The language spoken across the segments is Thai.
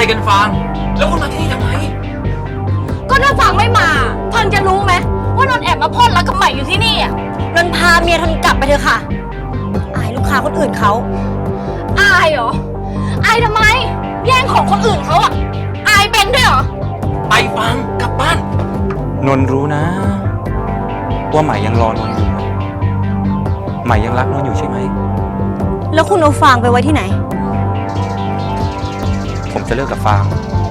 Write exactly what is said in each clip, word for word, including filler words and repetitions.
กันฟางแล้วคุณมาที่นี่ทำไมก็ถ้าฟางไม่มาฟังจะรู้ไหมว่านนท์แอบมาพ่นรักกับใหม่อยู่ที่นี่อ่ะนนท์พาเมียทนกลับไปเถอะค่ะอายลูกค้าคนอื่นเขาอายเหรออายทำไมแย่งของคนอื่นเขาอ่ะอายเป็นด้วยเหรอไปฟางกลับบ้านนนรู้นะว่าใหม่ยังรอนนอยู่ใหม่ยังรักนนอยู่ใช่ไหมแล้วคุณเอาฟางไปไว้ที่ไหนผมจะเลิกกับฟาง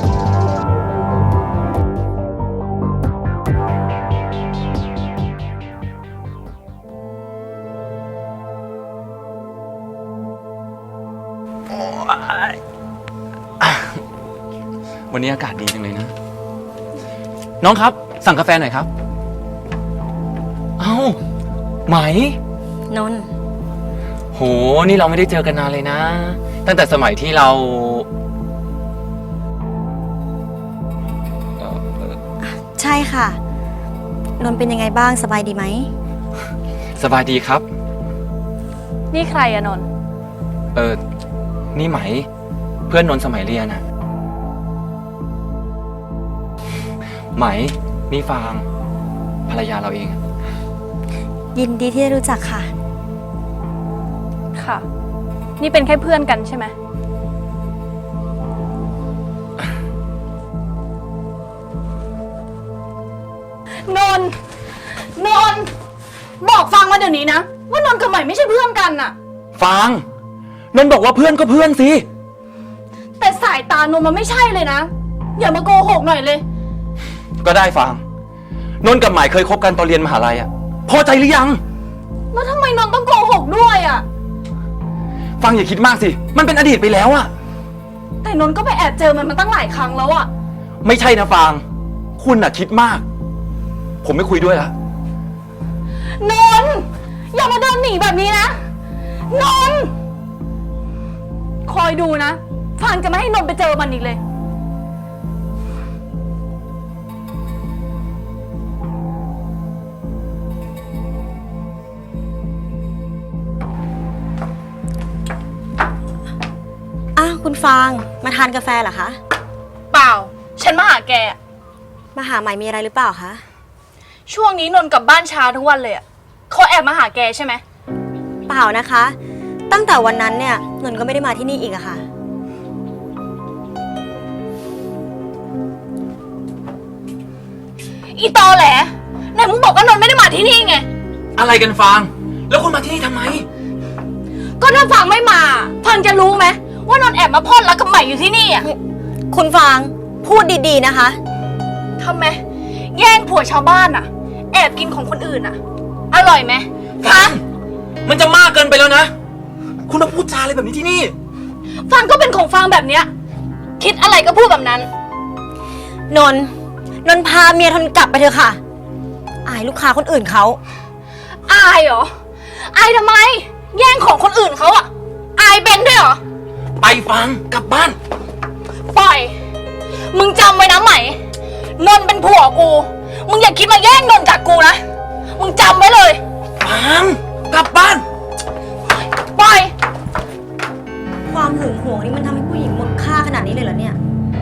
วันนี้อากาศดีจังเลยนะน้องครับสั่งกาแฟหน่อยครับเอ้าไหมนนโหนี่เราไม่ได้เจอกันนานเลยนะตั้งแต่สมัยที่เราใช่ค่ะนนเป็นยังไงบ้างสบายดีไหมสบายดีครับนี่ใครอะนนเออนี่ไหมเพื่อนนนสมัยเรียนอะไหมนี่ฟางภรรยาเราเองยินดีที่ได้รู้จักค่ะค่ะนี่เป็นแค่เพื่อนกันใช่ไหมนนนนบอกฟังมาเดี๋ยวนี้นะว่านนกับใหม่ไม่ใช่เพื่อนกันน่ะฟางนนบอกว่าเพื่อนก็เพื่อนสิแต่สายตานนมันไม่ใช่เลยนะอย่ามาโกหกหน่อยเลยก็ได้ฟางนนกับใหม่เคยคบกันตอนเรียนมหาลัยอะพอใจหรือยังแล้วทำไมนนต้องโกหกด้วยอะฟังอย่าคิดมากสิมันเป็นอดีตไปแล้วอะแต่นนก็ไปแอบเจอมันมาตั้งหลายครั้งแล้วอะไม่ใช่นะฟางคุณน่ะคิดมากผมไม่คุยด้วยละนนอย่ามาเดินหนีแบบนี้นะนนคอยดูนะฟังจะไม่ให้นนไปเจอมันอีกเลยอ้าวคุณฟางมาทานกาแฟเหรอคะเปล่าฉันมาหาแกมาหาใหม่มีอะไรหรือเปล่าคะช่วงนี้นนกลับบ้านช้าทุกวันเลยอ่ะเขาแอบมาหาแกใช่ไหมเปล่านะคะตั้งแต่วันนั้นเนี่ยนนก็ไม่ได้มาที่นี่อีกอะค่ะอีตอแหละไหนมึงบอกว่านนไม่ได้มาที่นี่ไงอะไรกันฟางแล้วคุณมาที่นี่ทำไมก็ถ้าฟางไม่มาฟังจะรู้ไหมว่านนแอบมาพ่นรักกับใหม่อยู่ที่นี่อ่ะคุณฟางพูดดีๆนะคะทำไมแย่งผัวชาวบ้านอ่ะแอบกินของคนอื่นอ่ะอร่อยไหมฟางมันจะมากเกินไปแล้วนะคุณมาพูดจาอะไรแบบนี้ที่นี่ฟางก็เป็นของฟางแบบเนี้ยคิดอะไรก็พูดแบบนั้นนนนนพาเมียทนกลับไปเถอะค่ะอายลูกค้าคนอื่นเขาอายเหรออายทำไมแย่งของคนอื่นเขาอ่ะอายเป็นด้วยเหรอไปฟังกลับบ้านปล่อยมึงจำไว้นะไหมนนเป็นผัวกูมึงอย่าคิดมาแย่งนนจากกูนะมึงจำไว้เลยฟังกลับบ้านปล่อยความหึงหวงนี่มันทำให้ผู้หญิงหมดค่าขนาดนี้เลยเหรอเนี่ย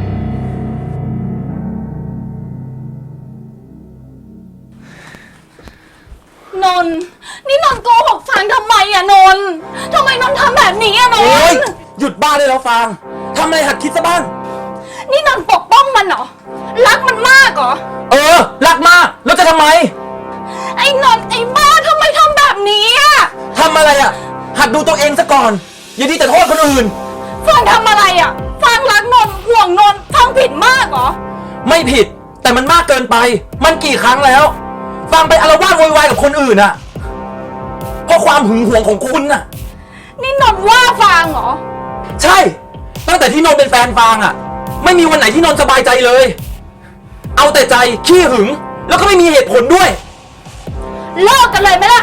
นนนี่นนโกหกฟังทำไมอะนนทำไมนนทำแบบนี้อะนนหยุดบ้าได้แล้วฟางทำอะไรหัดคิดซะบ้างนี่นนปกป้องมันเหรอรักมันมากเหรอเออรักมากแล้วจะทำไมไอ้นนไอ้บ้าทำไมทำแบบนี้อะทำอะไรอะหัดดูตัวเองซะก่อนอย่าดีแต่โทษคนอื่นฟังทำอะไรอะฟังรักนนห่วงนนฟังผิดมากเหรอไม่ผิดแต่มันมากเกินไปมันกี่ครั้งแล้วฟังไปอาละวาดโวยวายกับคนอื่นอะเพราะความหึงหวงของคุณน่ะนี่นนว่าฟางเหรอใช่ตั้งแต่ที่นนเป็นแฟนฟางอะไม่มีวันไหนที่นนสบายใจเลยเอาแต่ใจขี้หึงแล้วก็ไม่มีเหตุผลด้วยเลิกกันเลยไหมล่ะ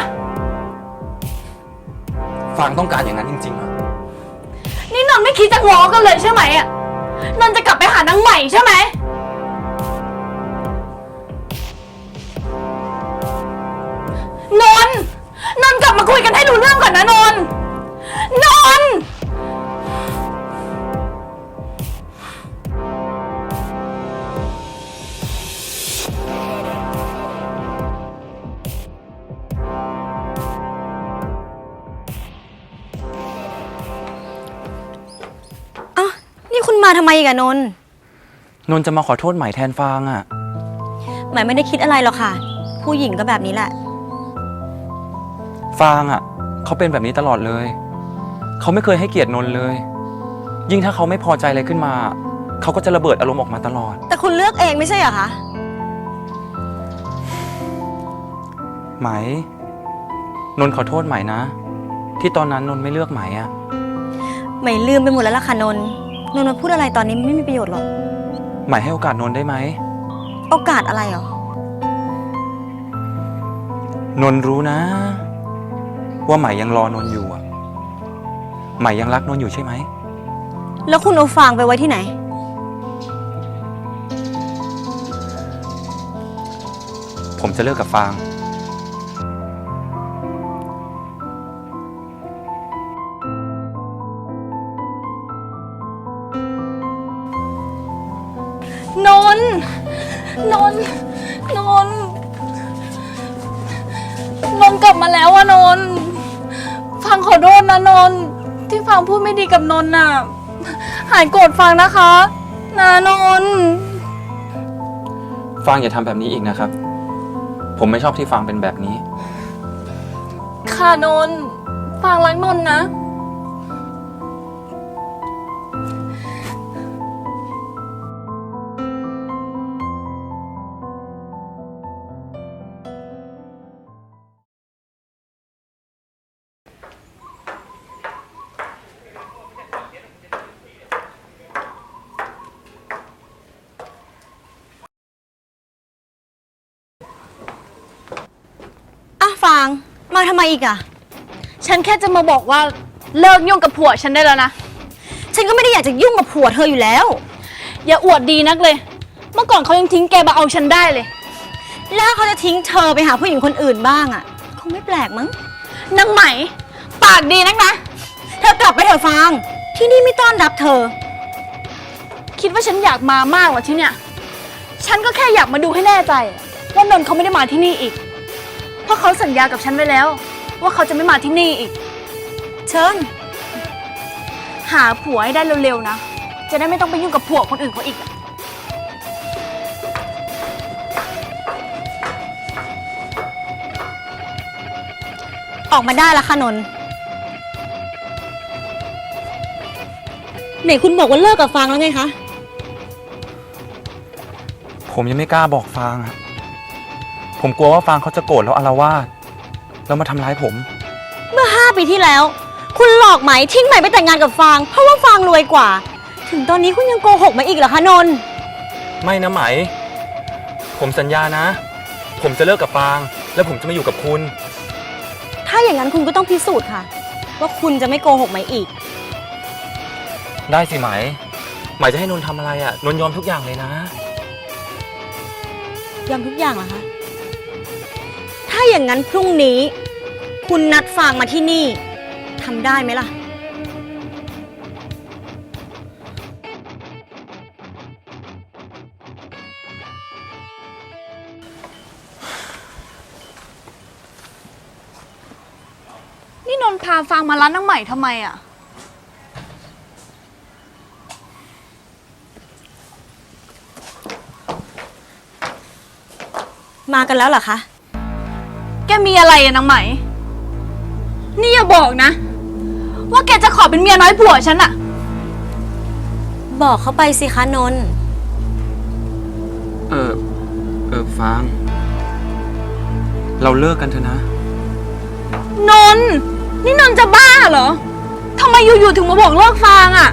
ฟางต้องการอย่างนั้นจริงๆอะนี่นนไม่คิดจะง้อกันเลยใช่ไหมอะนนจะกลับไปหานางใหม่ใช่ไหมนนนนกลับมาคุยกันให้รู้เรื่องก่อนนะนนนนมาทำไมอีกอะนนท์นนท์จะมาขอโทษใหม่แทนฟางอะหมายไม่ได้คิดอะไรหรอกค่ะ ผู้หญิงก็แบบนี้แหละฟางอะเขาเป็นแบบนี้ตลอดเลย เขาไม่เคยให้เกียรตินนท์เลย ยิ่งถ้าเขาไม่พอใจอะไรขึ้นมา เขาก็จะระเบิดอารมณ์ออกมาตลอดแต่คุณเลือกเองไม่ใช่เหรอคะไหม นนท์ขอโทษใหม่นะ ที่ตอนนั้นนนท์ไม่เลือกไหมอะใหม่ลืมไปหมดแล้วล่ะค่ะนนท์นนท์มาพูดอะไรตอนนี้ไม่มีประโยชน์หรอกไหมให้โอกาสนนท์ได้ไหมโอกาสอะไรหรอนนท์รู้นะ ว่าไหมยังรอนนท์อยู่อะไหมยังรักนนท์อยู่ใช่ไหมแล้วคุณเอาฟางไปไว้ที่ไหนผมจะเลิกกับฟางนนท์นนท์นนท์นนท์กลับมาแล้วอะนนท์ฟังขอโทษนะนนท์ที่ฟังพูดไม่ดีกับนนท์น่ะ หายโกรธฟังนะคะนะนนท์ฟางอย่าทำแบบนี้อีกนะครับ ผมไม่ชอบที่ฟางเป็นแบบนี้ค่ะนนท์ฟังรักนนท์นะอ่ะฟาง มาทำไมอีกอะฉันแค่จะมาบอกว่าเลิกยุ่งกับผัวฉันได้แล้วนะฉันก็ไม่ได้อยากจะยุ่งกับผัวเธออยู่แล้วอย่าอวดดีนักเลย เมื่อก่อนเขายังทิ้งแกมาเอาฉันได้เลยแล้วเขาจะทิ้งเธอไปหาผู้หญิงคนอื่นบ้างอะคงไม่แปลกมั้งนางไหม ปากดีนักนะเธอกลับไปเถอะฟาง ที่นี่ไม่ต้อนรับเธอคิดว่าฉันอยากมามากเหรอที่เนี่ย ฉันก็แค่อยากมาดูให้แน่ใจว่านนท์เขาไม่ได้มาที่นี่อีก เพราะเขาสัญญากับฉันไว้แล้ว ว่าเขาจะไม่มาที่นี่อีกเชิญหาผัวให้ได้เร็วๆนะ จะได้ไม่ต้องไปยุ่งกับผัวคนอื่นเขาอีกอะออกมาได้ละค่ะนนท์ไหนคุณบอกว่าเลิกกับฟางแล้วไงคะผมยังไม่กล้าบอกฟางอะผมกลัวว่าฟางเขาจะโกรธแล้วอาละวาดแล้วมาทำร้ายผมเมื่อห้าปีที่แล้ว คุณหลอกไหมทิ้งไหมไปแต่งงานกับฟาง เพราะว่าฟางรวยกว่า ถึงตอนนี้คุณยังโกหกมาอีกเหรอคะนนท์ไม่นะไหม ผมสัญญานะ ผมจะเลิกกับฟาง แล้วผมจะมาอยู่กับคุณถ้าอย่างนั้นคุณก็ต้องพิสูจน์ค่ะ ว่าคุณจะไม่โกหกไหมอีกได้สิไหม ไหมจะให้นนท์ทำอะไรอะนนท์ยอมทุกอย่างเลยนะยอมทุกอย่างเหรอคะ ถ้าอย่างนั้นพรุ่งนี้ คุณนัดฟางมาที่นี่ทำได้ไหมล่ะนี่นนท์พาฟางมาร้านนางใหม่ทำไมอะมากันแล้วเหรอคะแกมีอะไรอะนางไหม นี่อย่าบอกนะ ว่าแกจะขอเป็นเมียน้อยผัวฉันอะบอกเขาไปสิคะนนท์เออ เออฟาง เราเลิกกันเถอะนะนนท์นี่นนท์จะบ้าเหรอทำไมอยู่ๆถึงมาบอกเลิกฟางอะ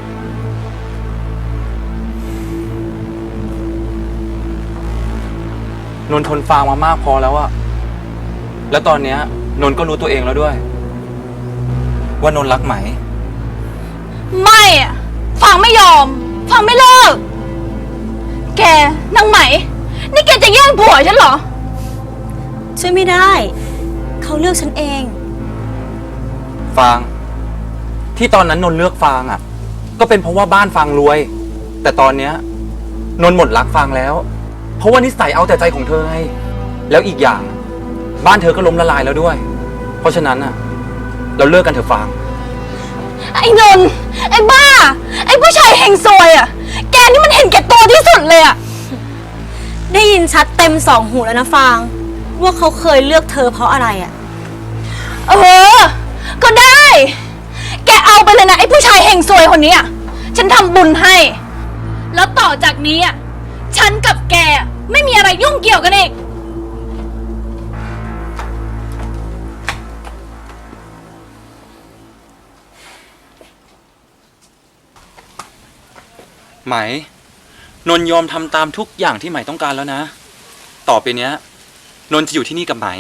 นนท์ทนฟางมามากพอแล้วอะแล้วตอนเนี้ยนนท์ก็รู้ตัวเองแล้วด้วย ว่านนท์รักไหมไม่อะฟางไม่ยอมฟางไม่เลิก แกนางไหม นี่แกจะแย่งผัวฉันเหรอช่วยไม่ได้ เขาเลือกฉันเองฟาง ที่ตอนนั้นนนท์เลือกฟางอะก็เป็นเพราะว่าบ้านฟางรวย แต่ตอนเนี้ยนนท์หมดรักฟางแล้ว เพราะว่านิสัยเอาแต่ใจของเธอไงแล้วอีกอย่าง บ้านเธอก็ล้มละลายแล้วด้วย เพราะฉะนั้นอะเราเลิกกันเถอะฟางไอ้นนท์ไอ้บ้า ไอ้ผู้ชายเฮงซวยอะแกนี่มันเห็นแก่ตัวที่สุดเลยอะได้ยินชัดเต็มสองหูแล้วนะฟาง ว่าเขาเคยเลือกเธอเพราะอะไรอะเออ ก็ได้ แกเอาไปเลยนะไอ้ผู้ชายเฮงซวยคนนี้อะฉันทำบุญให้ แล้วต่อจากนี้อะฉันกับแกไม่มีอะไรยุ่งเกี่ยวกันอีกไหม นนท์ยอมทำตามทุกอย่างที่ไหมต้องการแล้วนะ ต่อไปเนี้ย นนท์จะอยู่ที่นี่กับไหม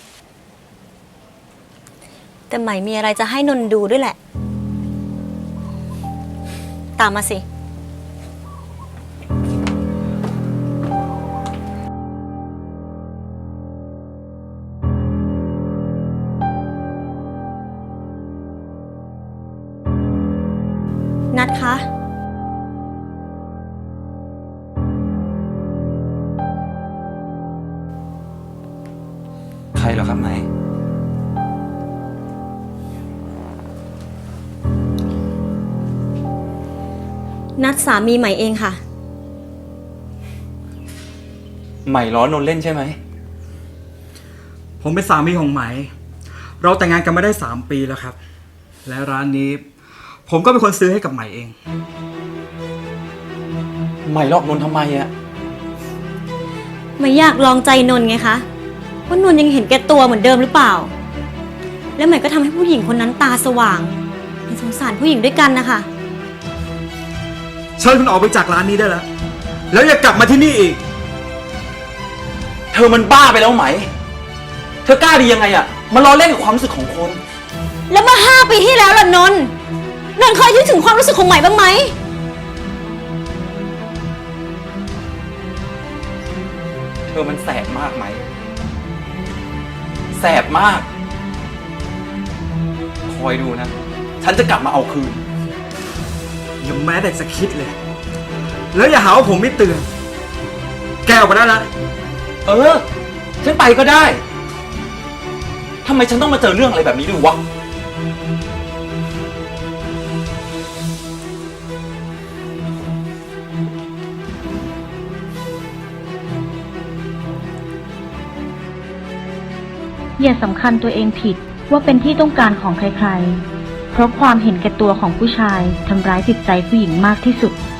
แต่ไหมมีอะไรจะให้นนท์ดูด้วยแหละ ตามมาสิ นัดคะใครเหรอครับไหมนัดสามีใหม่เองค่ะไหมล้อนนท์เล่นใช่ไหมผมเป็นสามีของไหม เราแต่งงานกันมาได้สามปีแล้วครับ และร้านนี้ ผมก็เป็นคนซื้อให้กับไหมเองไหมหลอกนนท์ทำไมอะไม่อยากลองใจนนท์ไงคะ ว่านนท์ยังเห็นแก่ตัวเหมือนเดิมหรือเปล่า แล้วใหม่ก็ทำให้ผู้หญิงคนนั้นตาสว่างเห็นสงสารผู้หญิงด้วยกันนะคะเชิญคุณออกไปจากร้านนี้ได้แล้ว แล้วอย่ากลับมาที่นี่อีกเธอมันบ้าไปแล้วไหม เธอกล้าดียังไงอะมาล้อเล่นกับความรู้สึกของคนแล้วเมื่อห้าปีที่แล้วล่ะนนท์นนท์เคยคิดถึงความรู้สึกของใหม่บ้างไหมเธอมันแสบมากไหม แสบมาก คอยดูนะ ฉันจะกลับมาเอาคืนอย่าแม้แต่จะคิดเลย แล้วอย่าหาว่าผมไม่เตือน แกออกไปได้แล้วเออ ฉันไปก็ได้ ทำไมฉันต้องมาเจอเรื่องอะไรแบบนี้ด้วยวะอย่าสำคัญตัวเองผิดว่าเป็นที่ต้องการของใครๆ เพราะความเห็นแก่ตัวของผู้ชายทำร้ายจิตใจผู้หญิงมากที่สุด